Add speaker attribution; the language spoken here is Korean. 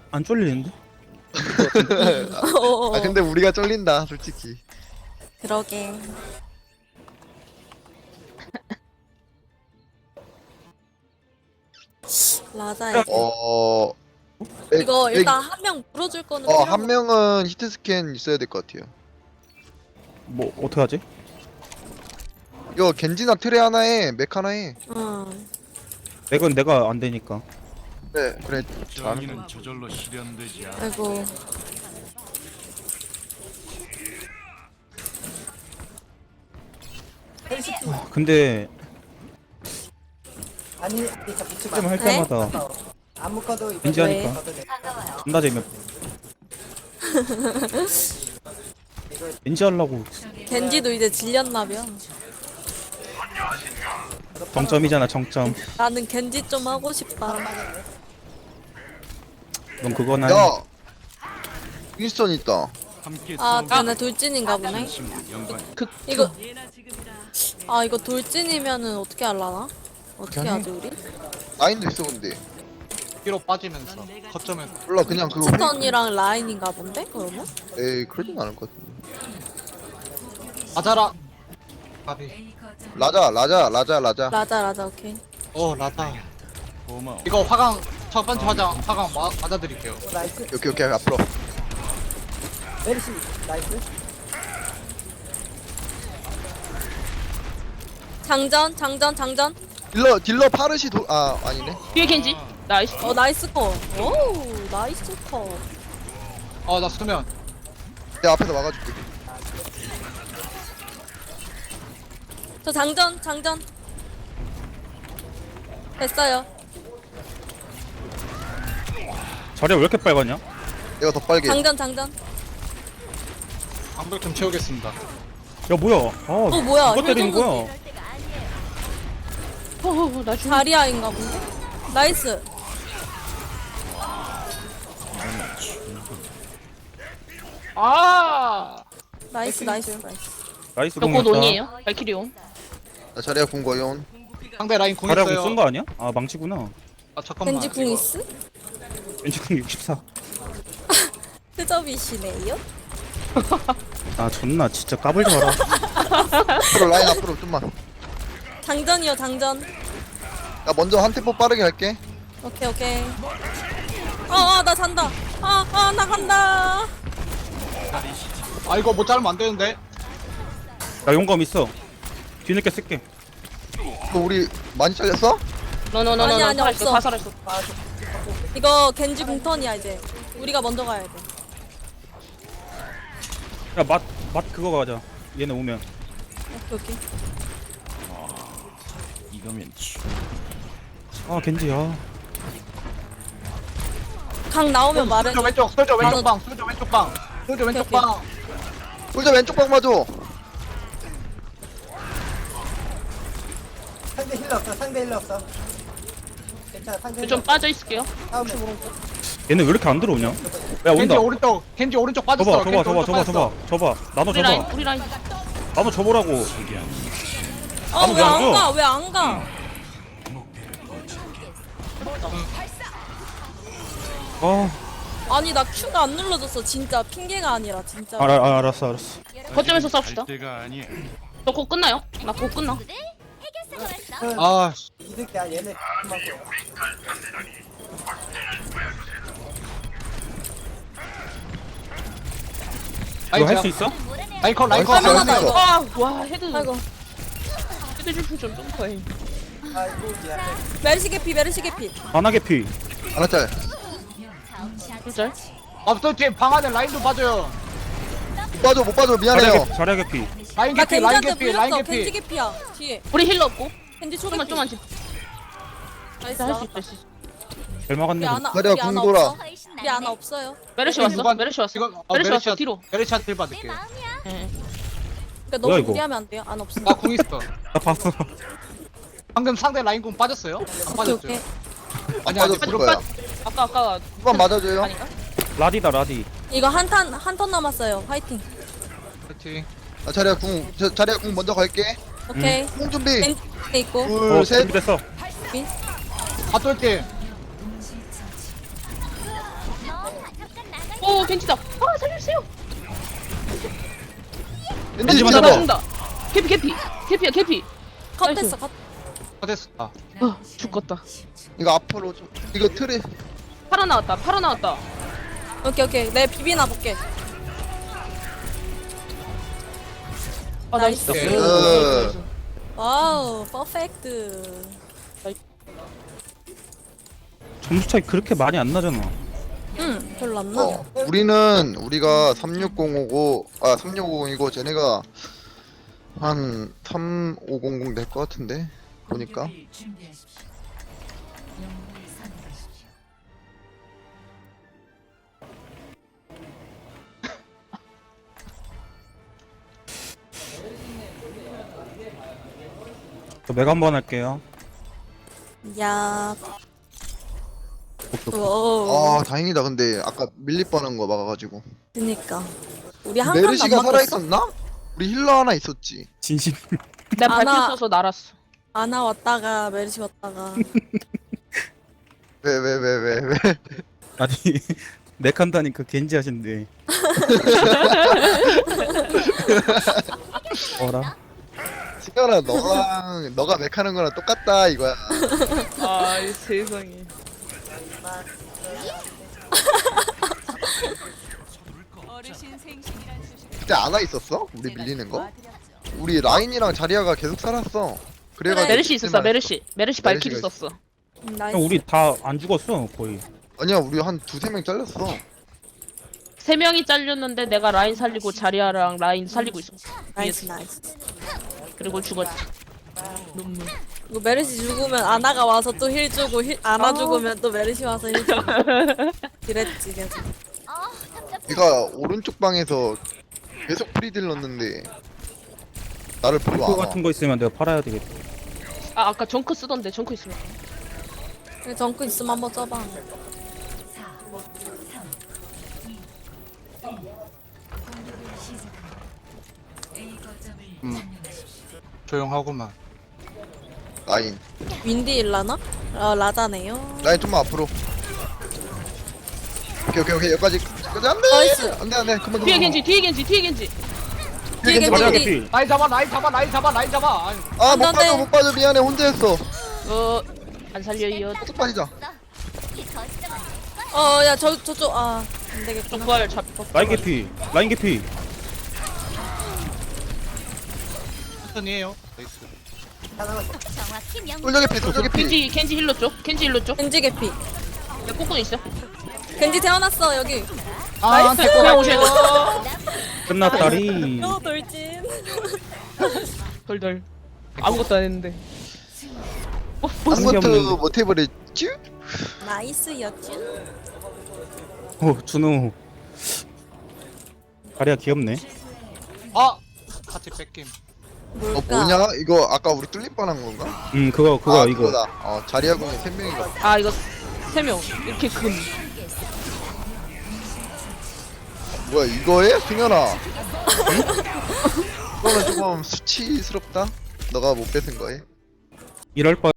Speaker 1: 안 쫄리는데?
Speaker 2: 아 근데 우리가 쫄린다 솔직히.
Speaker 3: 그러게. 라자야.
Speaker 2: 어
Speaker 3: 이거 일단 한 명 물어줄 거는 필요한
Speaker 2: 한 명은 히트 스캔 있어야 될 것 같아요.
Speaker 1: 뭐 어떻게 하지?
Speaker 2: 이거 겐지나 트레 하나에 맥 하나에.
Speaker 3: 응.
Speaker 1: 맥은 내가 안 되니까.
Speaker 2: 네 그래.
Speaker 4: 정의는 저절로 실현되지 않아.
Speaker 3: 아이고.
Speaker 1: 근데
Speaker 5: 아니 진짜 묻지 마.
Speaker 1: 게임 할
Speaker 3: 네?
Speaker 1: 때마다
Speaker 5: 안 묶어도 이거
Speaker 1: 왠지 하니까
Speaker 5: 묶어도 돼.
Speaker 1: 존나 재미없. 왠지 하려고
Speaker 3: 겐지도 이제 질렸나벼.
Speaker 1: 정점이잖아 정점.
Speaker 3: 나는 겐지 좀 하고 싶다.
Speaker 1: 넌 그거나.
Speaker 2: 야 윈스턴 있다.
Speaker 4: 함께
Speaker 3: 아,
Speaker 4: 싸우는
Speaker 3: 걔네 돌진인가 보네.
Speaker 4: 친구 영광.
Speaker 3: 이거 아 이거 돌진이면은 어떻게 할라나? 어떻게
Speaker 2: 그냥 해.
Speaker 3: 하지 우리?
Speaker 2: 라인도 있어 근데.
Speaker 6: 뒤로 빠지면서 거점에
Speaker 2: 몰라 그냥 그거.
Speaker 3: 스턴이랑 라인인가 본데 그러면?
Speaker 2: 에이 그러진 않을 것 같은데.
Speaker 6: 맞아라. 바비.
Speaker 2: 라자.
Speaker 3: 라자 오케이.
Speaker 6: 라다.
Speaker 4: 고마워.
Speaker 6: 이거 화강 첫 번째 화강 맞아드릴게요.
Speaker 5: 나이스.
Speaker 2: 오케이 앞으로.
Speaker 5: 메르시 나이스.
Speaker 3: 장전.
Speaker 2: 딜러 파르시 아니네.
Speaker 7: 뒤에 겐지. 나이스.
Speaker 3: 나이스 컷. 오 나이스 컷.
Speaker 6: 나 수면.
Speaker 2: 내가 앞에서 막아줄게.
Speaker 3: 저 장전. 됐어요.
Speaker 1: 자리가 왜 이렇게 빨갛냐?
Speaker 2: 내가 더 빨개.
Speaker 3: 장전.
Speaker 6: 방벽 좀 채우겠습니다.
Speaker 1: 야 뭐야? 아
Speaker 3: 뭐야,
Speaker 1: 누가 때리는
Speaker 3: 혈전군.
Speaker 1: 거야?
Speaker 7: 나 죽.
Speaker 3: 자리아인가 본데? 나이스.
Speaker 7: 아.
Speaker 3: 나이스.
Speaker 1: 나이스
Speaker 7: 저곧
Speaker 1: 공이었다.
Speaker 7: 온이에요. 발키리 온.
Speaker 2: 나 자리야 궁 거yon.
Speaker 6: 상대 라인 궁
Speaker 1: 자리하고
Speaker 6: 있어요.
Speaker 1: 쓴거 아니야? 아 망치구나.
Speaker 6: 잠깐만.
Speaker 3: 겐지 궁 있음?
Speaker 1: 왠지 공 64.
Speaker 3: 트저비시네요?
Speaker 1: 아 존나 진짜 까불지 마라.
Speaker 2: 앞으로 라인 앞으로 좀만.
Speaker 3: 장전이요 장전.
Speaker 2: 나 먼저 한 템포 빠르게 할게.
Speaker 3: 오케이. 나 잔다. 나 간다.
Speaker 6: 이거 못 자르면 안 되는데.
Speaker 1: 나 용감 있어. 뒤늦게 쓸게.
Speaker 2: 너 우리 많이 잘렸어?
Speaker 7: 너너너너
Speaker 3: 아니, 없어.
Speaker 7: 다 살았어.
Speaker 3: 이거 겐지 궁턴이야 이제. 우리가 먼저 가야 돼.
Speaker 1: 야맛 그거 가자. 얘네 오면.
Speaker 3: 오케이.
Speaker 4: 이거면
Speaker 1: 아 겐지야.
Speaker 3: 강 나오면 말해.
Speaker 6: 솔저 왼쪽
Speaker 3: 나도-
Speaker 6: 왼쪽 방. 솔저 왼쪽 방. 솔저 왼쪽
Speaker 3: 오케이.
Speaker 6: 방.
Speaker 2: 솔저 왼쪽 방 봐줘.
Speaker 5: 상대 힐러 없어. 괜찮아 상대
Speaker 7: 좀 빠져 있을게요.
Speaker 5: 다음에
Speaker 1: 얘네 왜 이렇게 안 들어오냐? 야
Speaker 6: 겐지
Speaker 1: 온다.
Speaker 6: 오른쪽 빠졌어.
Speaker 1: 줘봐. 나도
Speaker 7: 우리 라인
Speaker 1: 줘봐.
Speaker 7: 우리 라인.
Speaker 1: 나도 줘보라고.
Speaker 3: 왜 안 가? 왜 안 가?
Speaker 1: 아
Speaker 6: 음.
Speaker 3: 나 Q가 안 눌러졌어. 진짜 핑계가 아니라 진짜.
Speaker 1: 알았어.
Speaker 7: 거점에서 싸웁시다.
Speaker 4: 갈 때가 아니야.
Speaker 7: 저 곧 끝나요? 나 곧 끝나.
Speaker 5: 이득이야 얘네.
Speaker 1: 이거 할 수 있어?
Speaker 6: 라인컷
Speaker 3: 할만하다 이거.
Speaker 7: 와 헤드.
Speaker 3: 아이고.
Speaker 7: 헤드 줄좀 점프해.
Speaker 5: 아이고 미안해.
Speaker 3: 메르시 개피.
Speaker 1: 안하게 피.
Speaker 2: 알았잘.
Speaker 7: 진짜?
Speaker 6: 또 뒤에 방 안에 라인 좀 봐줘요.
Speaker 2: 못 봐줘 미안해요.
Speaker 1: 자리하게 피.
Speaker 6: 라인
Speaker 3: 나
Speaker 6: 개피 라인
Speaker 3: 겐지한테
Speaker 6: 개피 라인
Speaker 3: 물렸어. 겐지
Speaker 6: 개피.
Speaker 3: 개피야. 뒤에.
Speaker 7: 우리 힐러 없고.
Speaker 3: 겐지
Speaker 7: 조금만
Speaker 3: 초개피.
Speaker 7: 좀만 집.
Speaker 3: 나이스.
Speaker 7: 할수 있다. 할수 있어.
Speaker 1: 잘
Speaker 3: 우리
Speaker 1: 막았네.
Speaker 3: 아나
Speaker 2: 자리야,
Speaker 3: 우리 아나
Speaker 2: 궁 돌아.
Speaker 3: 없어. 우리 아나 없어요.
Speaker 7: 메르시 왔어. 메르시 왔어. 메르시 왔어. 뒤로.
Speaker 6: 메르시한테 힐 받을게요.
Speaker 7: 예.
Speaker 3: 그러니까
Speaker 1: 뭐야,
Speaker 3: 너무
Speaker 1: 이거?
Speaker 3: 무리하면 안 돼요. 안 없어.
Speaker 6: 나 궁 있어.
Speaker 1: 나 봤어.
Speaker 6: 방금 상대 라인 궁 빠졌어요? 안 빠졌죠?
Speaker 3: 오케이.
Speaker 6: 아니 아직
Speaker 2: 빠졌을
Speaker 6: 무릎
Speaker 2: 거야.
Speaker 7: 아까
Speaker 2: 한번 맞아줘요.
Speaker 7: 아닌가?
Speaker 1: 라디다 라디.
Speaker 3: 이거 한 턴 남았어요. 화이팅.
Speaker 6: 파이팅.
Speaker 2: 나 자리야 궁 먼저 갈게.
Speaker 3: 오케이.
Speaker 2: 궁 준비.
Speaker 3: 겐지 있고.
Speaker 2: 둘 셋.
Speaker 1: 준비됐어.
Speaker 6: 다 쏠게.
Speaker 7: 겐지다. 아 살려주세요.
Speaker 2: 겐지
Speaker 1: 먼저
Speaker 7: 나
Speaker 2: 잡아.
Speaker 7: 죽는다. 개피야 개피.
Speaker 3: 컷했어 컷.
Speaker 6: 됐어. 아,
Speaker 7: 죽겠다.
Speaker 2: 이거 앞으로 좀. 이거 틀에.
Speaker 7: 팔아 나왔다.
Speaker 3: 오케이 내 비비나 볼게.
Speaker 7: 아 나이스.
Speaker 3: 와우 퍼펙트.
Speaker 1: 점수 차이 그렇게 많이 안 나잖아.
Speaker 3: 응 별로 안 나.
Speaker 2: 우리가 36050, 3650이고 쟤네가 한 3500 될 것 같은데 보니까.
Speaker 1: 저 메가 한번 할게요.
Speaker 3: 야. 오.
Speaker 2: 아 다행이다. 근데 아까 밀릴 뻔한 거 막아가지고.
Speaker 3: 그니까. 우리 한 칸도 안
Speaker 2: 메르시가
Speaker 3: 바꿨어?
Speaker 2: 살아있었나? 우리 힐러 하나 있었지.
Speaker 1: 진심.
Speaker 7: 내가 발표
Speaker 3: 아나-
Speaker 7: 써서 날았어.
Speaker 3: 아나 왔다가 메르시 왔다가.
Speaker 2: 왜?
Speaker 1: 아니 맥한다니까 겐지 하신대. 어라?
Speaker 2: 승현아 너가 맥하는 거랑 똑같다 이거야.
Speaker 7: 아 세상에.
Speaker 2: 그때 안와 있었어? 우리 밀리는 거? 우리 라인이랑 자리아가 계속 살았어. 그래가지고
Speaker 7: 메르시 있었어.
Speaker 2: 그때만
Speaker 7: 메르시 발키리
Speaker 2: 메르시가
Speaker 7: 썼어.
Speaker 3: 나이스.
Speaker 1: 형 우리 다 안 죽었어 거의.
Speaker 2: 아니야 우리 한 두세 명 잘렸어.
Speaker 7: 3명이 잘렸는데 내가 라인 살리고 자리아랑 라인 살리고 있어.
Speaker 3: 나이스 나이스.
Speaker 7: 그리고 죽었지. 눈물.
Speaker 3: 이거 메르시 죽으면 아나가 와서 또 힐 주고 아나 죽으면 또 메르시 와서 힐 주고. 그랬지 계속.
Speaker 2: 얘가 오른쪽 방에서 계속 프리딜 넣는데 나를 보고
Speaker 1: 그거
Speaker 2: 안 와.
Speaker 1: 같은 거 있으면 내가 팔아야 되겠다.
Speaker 7: 아 아까 정크 쓰던데 정크 있으면.
Speaker 3: 그래, 정크 있으면 한번 써봐.
Speaker 6: 조용하고만.
Speaker 2: 라인
Speaker 3: 윈디 일라나? 라자네요.
Speaker 2: 라인 좀만 앞으로. 오케이 여기까지 안돼
Speaker 3: 나이스.
Speaker 2: 안돼 그만
Speaker 7: 뒤에
Speaker 2: 그만.
Speaker 7: 겐지.
Speaker 3: 뒤에 겐지.
Speaker 1: 자리야
Speaker 3: 겐지.
Speaker 1: 개피.
Speaker 6: 라인 잡아. 아유,
Speaker 2: 아못
Speaker 3: 안 돼, 안 돼.
Speaker 2: 못 빠져 미안해 혼자 했어.
Speaker 7: 안 살려요.
Speaker 2: 쭉 빠지자.
Speaker 3: 야 저쪽 안
Speaker 7: 좀
Speaker 3: 되겠구나.
Speaker 7: 부활 잡고.
Speaker 1: 라인 개피.
Speaker 6: 천천히 해요. 나이스.
Speaker 2: 솔저기 피 솔저기 피.
Speaker 7: 겐지 힐러 쪽.
Speaker 3: 겐지 개피.
Speaker 7: 내 꼬꾼 있어.
Speaker 3: 겐지 태어났어 여기.
Speaker 6: 아,
Speaker 3: 나이스.
Speaker 7: 그냥 오셔야 돼.
Speaker 1: 끝났다리.
Speaker 3: 돌진.
Speaker 7: 덜덜. 아무것도 안 했는데.
Speaker 1: 무슨 게
Speaker 2: 아무것도
Speaker 1: 없는데.
Speaker 2: 못 해버렸지?
Speaker 3: 나이스였지.
Speaker 1: 오 준호. 자리야 귀엽네.
Speaker 6: 아, 같이 뺏김.
Speaker 3: 뭘까?
Speaker 2: 뭐냐 이거 아까 우리 뚫릴 뻔한 건가?
Speaker 1: 그거 이거.
Speaker 2: 그거다. 자리아 공이 3명인가.
Speaker 7: 아 이거 3명 이렇게 금.
Speaker 2: 뭐야 이거에 승현아. 이거는 조금 수치스럽다. 너가 못 뺏은 거에.
Speaker 1: 이럴 뻔.